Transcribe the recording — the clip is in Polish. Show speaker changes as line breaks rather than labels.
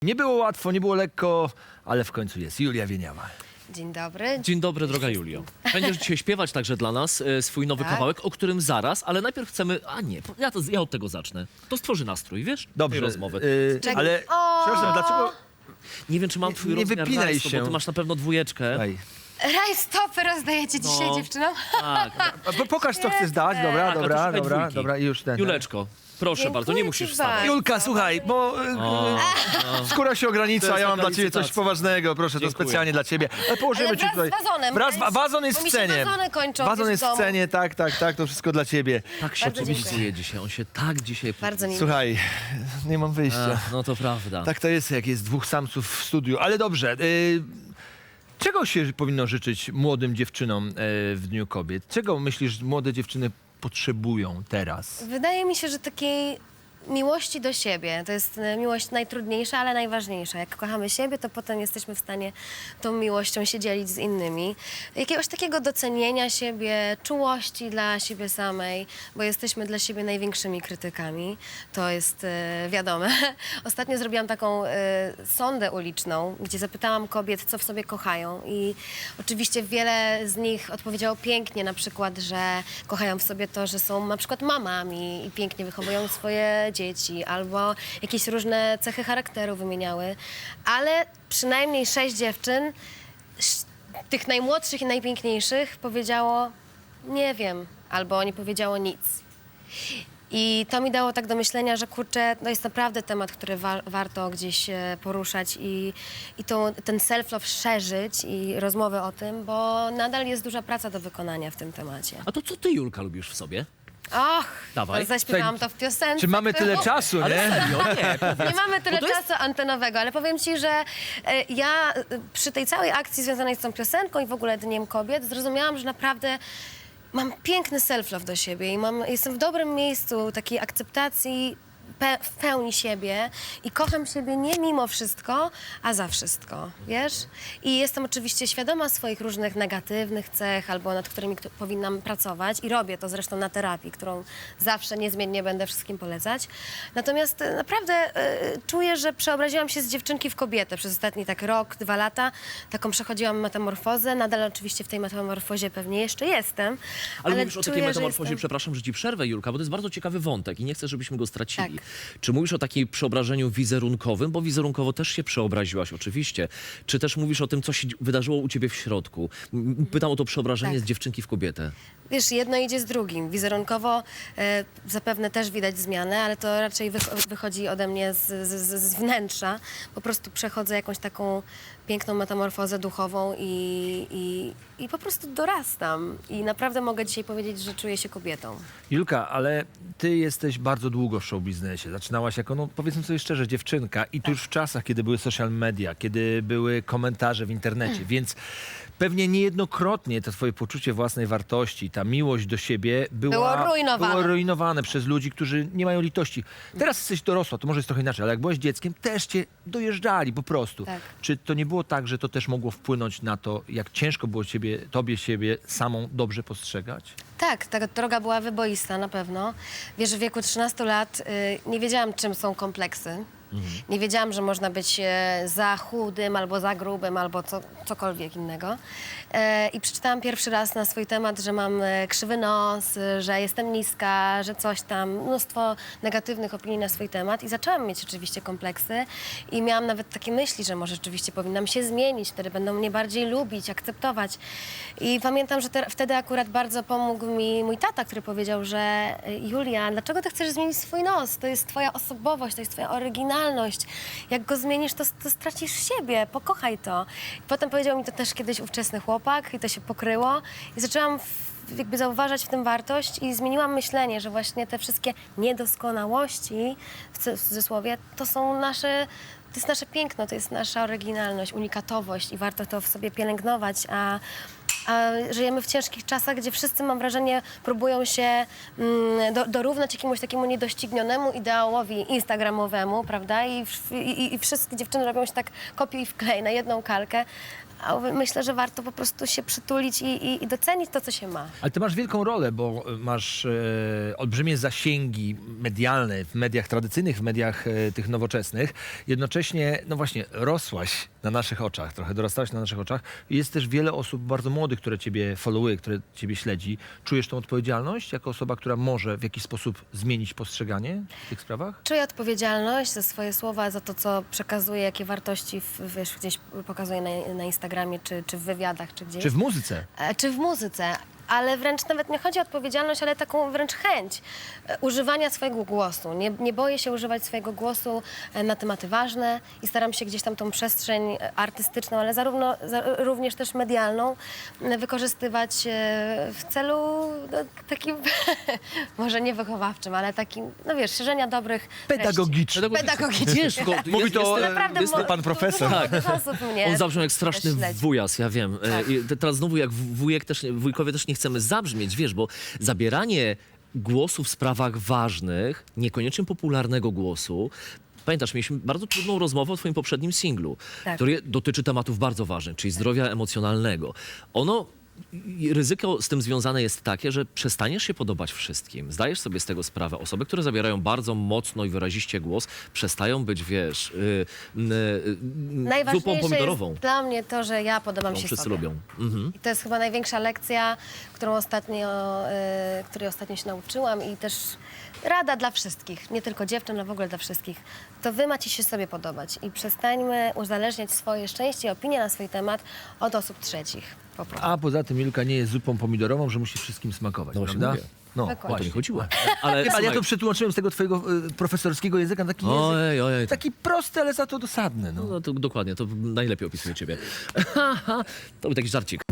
Nie było łatwo, nie było lekko, ale w końcu jest Julia Wieniawa.
Dzień dobry.
Dzień dobry, droga Julio. Będziesz dzisiaj śpiewać także dla nas swój nowy
Tak.
kawałek, o którym zaraz, ale najpierw chcemy... A nie, ja od tego zacznę. To stworzy nastrój, wiesz?
Dobrze,
Tej rozmowy.
ale przepraszam, dlaczego...
Nie wiem, czy mam twój
nie
rozmiar
wypinaj
rajstop,
się.
bo ty masz na pewno dwójeczkę.
Ej.
Rajstopy rozdajecie dzisiaj
No.
dziewczynom?
Tak.
Pokaż, co chcesz dać. Dobra,
Tak, a to
dobra,
szukaj
dobra,
dwójki.
dobra, i już ten.
Juleczko, proszę
Dziękuję
bardzo, nie
ci
musisz
bardzo.
wstawać.
Julka, słuchaj, bo skóra się
To
ogranicza,
jest
ja mam
taka
dla ciebie coś
licytacja.
poważnego, proszę, to
Dziękuję.
specjalnie dla ciebie. Ale położymy
Ale
ci
wraz
tutaj.
z wazonem,
Wazon jest
bo
w
mi się
scenie.
wazony kończą
Wazon
gdzieś
jest
w
w
domu.
scenie, tak, to wszystko dla ciebie.
Tak się
Bardzo
podpisuje
dziękuję.
dzisiaj, on się tak dzisiaj...
Bardzo mi
Słuchaj, nie mam wyjścia.
No to prawda.
Tak to jest, jak jest dwóch samców w studiu. Ale dobrze. Czego się powinno życzyć młodym dziewczynom w Dniu Kobiet? Czego myślisz, młode dziewczyny potrzebują teraz?
Wydaje mi się, że takiej miłości do siebie. To jest miłość najtrudniejsza, ale najważniejsza. Jak kochamy siebie, to potem jesteśmy w stanie tą miłością się dzielić z innymi. Jakiegoś takiego docenienia siebie, czułości dla siebie samej, bo jesteśmy dla siebie największymi krytykami. To jest wiadome. Ostatnio zrobiłam taką sondę uliczną, gdzie zapytałam kobiet, co w sobie kochają i oczywiście wiele z nich odpowiedziało pięknie, na przykład, że kochają w sobie to, że są na przykład mamami i pięknie wychowują swoje dzieci, albo jakieś różne cechy charakteru wymieniały, ale przynajmniej 6 dziewczyn, tych najmłodszych i najpiękniejszych, powiedziało nie wiem, albo nie powiedziało nic. I to mi dało tak do myślenia, że kurczę, to jest naprawdę temat, który warto gdzieś poruszać i ten self-love szerzyć i rozmowy o tym, bo nadal jest duża praca do wykonania w tym temacie.
A to co ty, Julka, lubisz w sobie?
Och,
Dawaj.
zaśpiewałam to w piosence.
Czy mamy tyle czasu, nie?
Serio? Nie.
Nie mamy tyle
Bo to jest-
czasu antenowego, ale powiem ci, że ja przy tej całej akcji związanej z tą piosenką i w ogóle Dniem Kobiet zrozumiałam, że naprawdę mam piękny self-love do siebie i jestem w dobrym miejscu takiej akceptacji w pełni siebie i kocham siebie nie mimo wszystko, a za wszystko, wiesz? I jestem oczywiście świadoma swoich różnych negatywnych cech albo nad którymi powinnam pracować i robię to zresztą na terapii, którą zawsze niezmiennie będę wszystkim polecać. Natomiast naprawdę czuję, że przeobraziłam się z dziewczynki w kobietę przez ostatni tak rok, 2 lata. Taką przechodziłam metamorfozę. Nadal oczywiście w tej metamorfozie pewnie jeszcze jestem.
Ale mówisz o takiej
czuję, że
metamorfozie,
jestem-
przepraszam, że ci przerwę, Julka, bo to jest bardzo ciekawy wątek i nie chcę, żebyśmy go stracili.
Tak.
Czy mówisz o takiej przeobrażeniu wizerunkowym, bo wizerunkowo też się przeobraziłaś oczywiście, czy też mówisz o tym, co się wydarzyło u ciebie w środku? Pytam o to przeobrażenie
Tak.
z dziewczynki w kobietę.
Wiesz, jedno idzie z drugim. Wizerunkowo zapewne też widać zmianę, ale to raczej wychodzi ode mnie z wnętrza. Po prostu przechodzę jakąś taką piękną metamorfozę duchową i po prostu dorastam. I naprawdę mogę dzisiaj powiedzieć, że czuję się kobietą.
Julka, ale ty jesteś bardzo długo w show biznesie. Zaczynałaś jako, no powiedzmy sobie szczerze, dziewczynka i to już w czasach, kiedy były social media, kiedy były komentarze w internecie, więc pewnie niejednokrotnie to twoje poczucie własnej wartości, ta miłość do siebie było rujnowane przez ludzi, którzy nie mają litości. Teraz jesteś dorosła, to może jest trochę inaczej, ale jak byłaś dzieckiem, też cię dojeżdżali po prostu.
Tak.
Czy to nie było tak, że to też mogło wpłynąć na to, jak ciężko było tobie siebie samą dobrze postrzegać?
Tak, ta droga była wyboista na pewno. Wiesz, w wieku 13 lat nie wiedziałam, czym są kompleksy. Nie wiedziałam, że można być za chudym, albo za grubym, albo cokolwiek innego. I przeczytałam pierwszy raz na swój temat, że mam krzywy nos, że jestem niska, że coś tam, mnóstwo negatywnych opinii na swój temat. I zaczęłam mieć oczywiście kompleksy i miałam nawet takie myśli, że może rzeczywiście powinnam się zmienić, wtedy będą mnie bardziej lubić, akceptować. I pamiętam, że wtedy akurat bardzo pomógł mi mój tata, który powiedział, że Julia, dlaczego ty chcesz zmienić swój nos? To jest twoja osobowość, to jest twoja oryginalność. Jak go zmienisz, to stracisz siebie, pokochaj to. I potem powiedział mi to też kiedyś ówczesny chłopak i to się pokryło. I zaczęłam jakby zauważać w tym wartość i zmieniłam myślenie, że właśnie te wszystkie niedoskonałości, w cudzysłowie, to jest nasze piękno, to jest nasza oryginalność, unikatowość i warto to w sobie pielęgnować, A żyjemy w ciężkich czasach, gdzie wszyscy, mam wrażenie, próbują się dorównać jakiemuś takiemu niedoścignionemu ideałowi instagramowemu, prawda? I wszystkie dziewczyny robią się tak kopiuj i wklej na jedną kalkę. A myślę, że warto po prostu się przytulić i docenić to, co się ma.
Ale ty masz wielką rolę, bo masz olbrzymie zasięgi medialne w mediach tradycyjnych, w mediach tych nowoczesnych. Jednocześnie, no właśnie, rosłaś na naszych oczach, trochę dorastałaś na naszych oczach. Jest też wiele osób bardzo młodych, które ciebie followuje, które ciebie śledzi. Czujesz tą odpowiedzialność jako osoba, która może w jakiś sposób zmienić postrzeganie w tych sprawach?
Czuję odpowiedzialność za swoje słowa, za to, co przekazuję, jakie wartości wiesz, gdzieś pokazuję na Instagramie, czy w wywiadach, czy gdzieś.
Czy w muzyce?
Czy w muzyce. Ale wręcz nawet nie chodzi o odpowiedzialność, ale taką wręcz chęć używania swojego głosu. Nie boję się używać swojego głosu na tematy ważne i staram się gdzieś tam tą przestrzeń artystyczną, ale również też medialną wykorzystywać w celu takim, może nie wychowawczym, ale takim, no wiesz, szerzenia dobrych
Pedagogiczny.
Pedagogiczny.
Wiesz,
Mówi to
Naprawdę
pan profesor.
dużo osób mnie
on zabrzmiał jak straszny
śledzi.
wujas, ja wiem.
Tak.
I teraz znowu jak wujkowie też nie chcemy zabrzmieć, wiesz, bo zabieranie głosu w sprawach ważnych, niekoniecznie popularnego głosu. Pamiętasz, mieliśmy bardzo trudną rozmowę o twoim poprzednim singlu,
Tak.
który dotyczy tematów bardzo ważnych, czyli zdrowia emocjonalnego. Ryzyko z tym związane jest takie, że przestaniesz się podobać wszystkim. Zdajesz sobie z tego sprawę. Osoby, które zabierają bardzo mocno i wyraziście głos, przestają być, wiesz, zupą
Najważniejsze
pomidorową.
jest dla mnie to, że ja podobam
którą
się
wszyscy
sobie.
lubią. Mhm.
I to jest chyba największa lekcja, której ostatnio się nauczyłam i też rada dla wszystkich, nie tylko dziewczyn, ale w ogóle dla wszystkich. To wy macie się sobie podobać i przestańmy uzależniać swoje szczęście i opinie na swój temat od osób trzecich. Po prostu.
A poza tym Milka nie jest zupą pomidorową, że musi wszystkim smakować,
No właśnie
prawda?
mówię.
No,
Dokładnie.
O to
właśnie.
nie chodziło. Ale,
Ale ja
słuchaj,
to przetłumaczyłem z tego twojego profesorskiego języka na taki język.
ojej.
Taki prosty, ale za to dosadny. No.
No to dokładnie, to najlepiej opisuje ciebie. To był taki żarcik.